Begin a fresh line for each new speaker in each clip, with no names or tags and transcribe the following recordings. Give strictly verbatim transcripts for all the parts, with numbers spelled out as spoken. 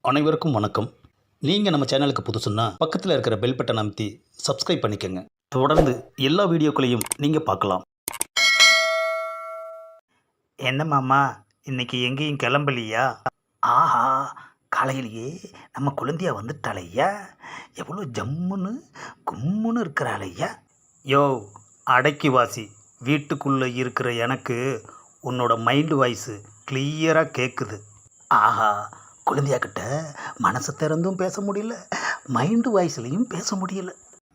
அனைவருக்கும் வணக்கம். நீங்கள் நம்ம சேனலுக்கு புதுசுன்னா பக்கத்தில் இருக்கிற பெல் பட்டன் அமைத்தி சப்ஸ்கிரைப் பண்ணிக்கோங்க. தொடர்ந்து எல்லா வீடியோக்களையும் நீங்கள் பார்க்கலாம்.
என்ன மாமா, இன்னைக்கு எங்கேயும் கிளம்பலையா? ஆஹா, காலையிலேயே நம்ம குழந்தையா வந்துட்டாளையா. எவ்வளோ ஜம்முன்னு கும்முன்னு இருக்கிறாளையா. யோ அடக்கி வாசி, வீட்டுக்குள்ளே இருக்கிற எனக்கு உன்னோட மைண்டு வாய்ஸு கிளியராக கேட்குது. ஆஹா, குழந்தையா கிட்ட மனசு திறந்தும் பேச முடியல, மைண்டு வாய்ஸ்லையும் பேச முடியல.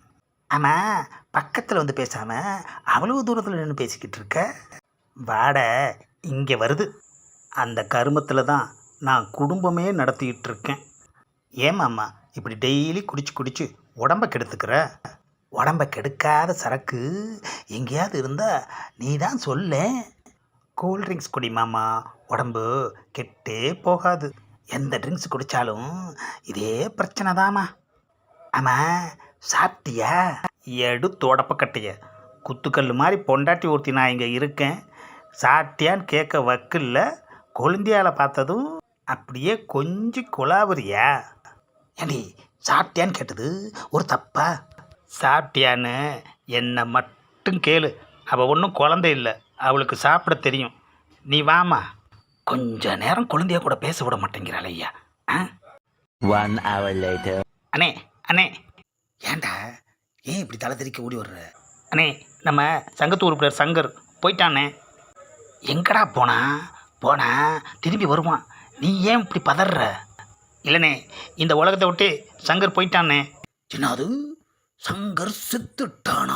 ஆமாம், பக்கத்தில் வந்து பேசாமல் அவ்வளவு தூரத்தில் நின்று பேசிக்கிட்டு இருக்க. வாட இங்கே வருது. அந்த கருமத்தில் தான் நான் குடும்பமே நடத்திக்கிட்டு இருக்கேன். ஏமாம்மா இப்படி டெய்லி குடிச்சு குடிச்சு உடம்ப கெடுத்துக்கிற? உடம்ப கெடுக்காத சரக்கு எங்கேயாவது இருந்தால் நீ தான் சொல்ல. கூல்ட்ரிங்க்ஸ் குடி மாமா, உடம்பு கெட்டே போகாது. எந்த ட்ரிங்க்ஸ் குடித்தாலும் இதே பிரச்சனை தாம்மா. ஆமாம், சாப்பிட்டியா? எடு தொடப்பக்கட்டைய, குத்துக்கல் மாதிரி பொண்டாட்டி ஊர்த்தி நான் இங்கே இருக்கேன். சாப்பிட்டியான்னு கேட்க வக்கில்ல, கொழுந்தியால் பார்த்ததும் அப்படியே கொஞ்சம் குலாவரியா? ஏண்டி, சாப்பிட்டியான்னு கேட்டது ஒரு தப்பா? சாப்பிட்டியான்னு என்னை மட்டும் கேளு. அவள் ஒன்றும் குழந்தை இல்லை, அவளுக்கு சாப்பிட தெரியும். நீ வாமா. கொஞ்ச நேரம் குழந்தைய கூட பேச விட மாட்டேங்கிறாள் ஐயா. ஆ
One hour later.
அண்ணே அண்ணே, ஏண்டா ஏன் இப்படி தலை தெறிக்க ஓடி வர்ற? அண்ணே, நம்ம சங்கத்து உறுப்பினர் சங்கர் போயிட்டானே. எங்கடா போனா? போனா திரும்பி வருவான். நீ ஏன் இப்படி பதற? இல்லைண்ணே, இந்த உலகத்தை விட்டு சங்கர் போயிட்டானே. சின்னது, சங்கர் செத்துட்டானா?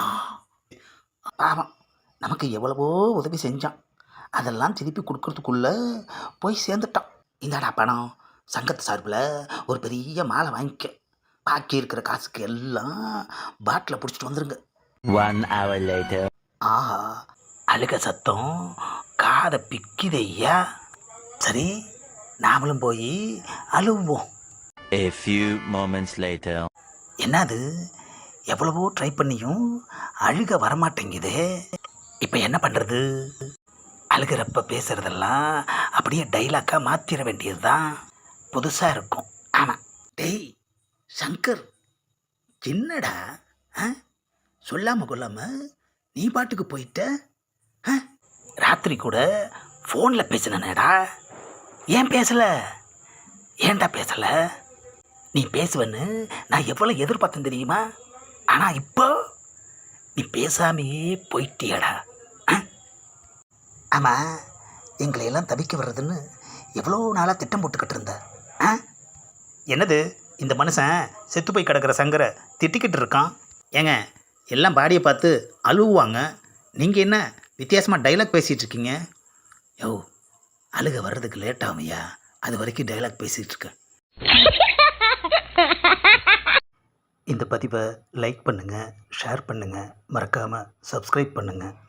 பாவம், நமக்கு எவ்வளவோ உதவி செஞ்சான். அதெல்லாம் திருப்பி கொடுக்கறதுக்குள்ளே போய் சேர்ந்துட்டான். இந்தாடா பணம், சங்கத்து சார்பில் ஒரு பெரிய மாலை வாங்கிக்க. பாக்கி இருக்கிற காசுக்கு எல்லாம் பாட்டில் பிடிச்சிட்டு வந்துருங்க.
One hour later.
ஆஹா, அழுக சத்தம் காதை பிக்குதையா. சரி, நாமளும் போய் அழுவோம்.
A few moments later.
என்னது, எவ்வளவோ ட்ரை பண்ணியும் அழுக வரமாட்டேங்குதே. இப்போ என்ன பண்ணுறது? அழுகிறப்ப பேசுகிறதெல்லாம் அப்படியே டைலாக்காக மாற்றிட வேண்டியது தான். புதுசாக இருக்கும். ஆமாம். டேய் சங்கர், என்னடா ஆ சொல்லாமல் கொள்ளாமல் நீ பாட்டுக்கு போயிட்ட? ஆ ராத்திரி கூட ஃபோனில் பேசினேடா. ஏன் பேசலை? ஏன்டா பேசலை? நீ பேசுவேன்னு நான் எவ்வளோ எதிர்பார்த்தேன் தெரியுமா? ஆனால் இப்போ நீ பேசாமையே போயிட்டியடா. ஆமாம், எங்களையெல்லாம் தவிக்க வர்றதுன்னு எவ்வளோ நாளாக திட்டம் போட்டுக்கிட்டு இருந்த. ஆ என்னது, இந்த மனுஷன் செத்து போய் கிடக்கிற சங்கரை திட்டிக்கிட்டு இருக்கான். ஏங்க, எல்லாம் பாடியை பார்த்து அழுவுவாங்க, நீங்கள் என்ன வித்தியாசமாக டைலாக் பேசிகிட்டு இருக்கீங்க? யோ, அழுக வர்றதுக்கு லேட் ஆகுமையா, அது வரைக்கும் டைலாக் பேசிகிட்டு இருக்கேன். இந்த பதிவை லைக் பண்ணுங்கள், ஷேர் பண்ணுங்கள், மறக்காமல் சப்ஸ்கிரைப் பண்ணுங்கள்.